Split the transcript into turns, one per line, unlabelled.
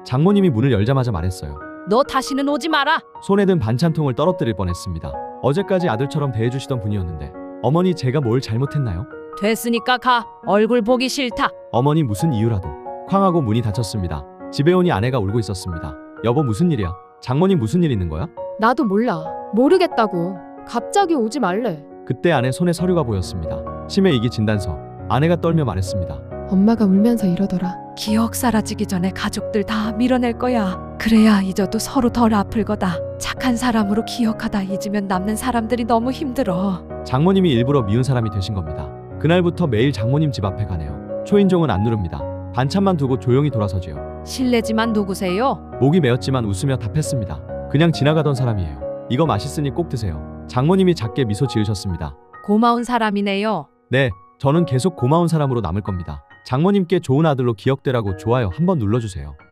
장모님이 문을 열자마자 말했어요.
너 다시는 오지 마라.
손에 든 반찬통을 떨어뜨릴 뻔했습니다. 어제까지 아들처럼 대해주시던 분이었는데 어머니 제가 뭘 잘못했나요?
됐으니까 가. 얼굴 보기 싫다.
어머니 무슨 이유라도 쾅하고 문이 닫혔습니다. 집에 오니 아내가 울고 있었습니다. 여보 무슨 일이야? 장모님 무슨 일 있는 거야?
나도 몰라. 모르겠다고. 갑자기 오지 말래.
그때 아내 손에 서류가 보였습니다. 치매 이기 진단서. 아내가 떨며 말했습니다.
엄마가 울면서 이러더라.
기억 사라지기 전에 가족들 다 밀어낼 거야. 그래야 잊어도 서로 덜 아플 거다. 착한 사람으로 기억하다 잊으면 남는 사람들이 너무 힘들어.
장모님이 일부러 미운 사람이 되신 겁니다. 그날부터 매일 장모님 집 앞에 가네요. 초인종은 안 누릅니다. 반찬만 두고 조용히 돌아서지요.
실례지만 누구세요?
목이 메었지만 웃으며 답했습니다. 그냥 지나가던 사람이에요. 이거 맛있으니 꼭 드세요. 장모님이 작게 미소 지으셨습니다.
고마운 사람이네요.
네, 저는 계속 고마운 사람으로 남을 겁니다. 장모님께 좋은 아들로 기억되라고 좋아요 한번 눌러주세요.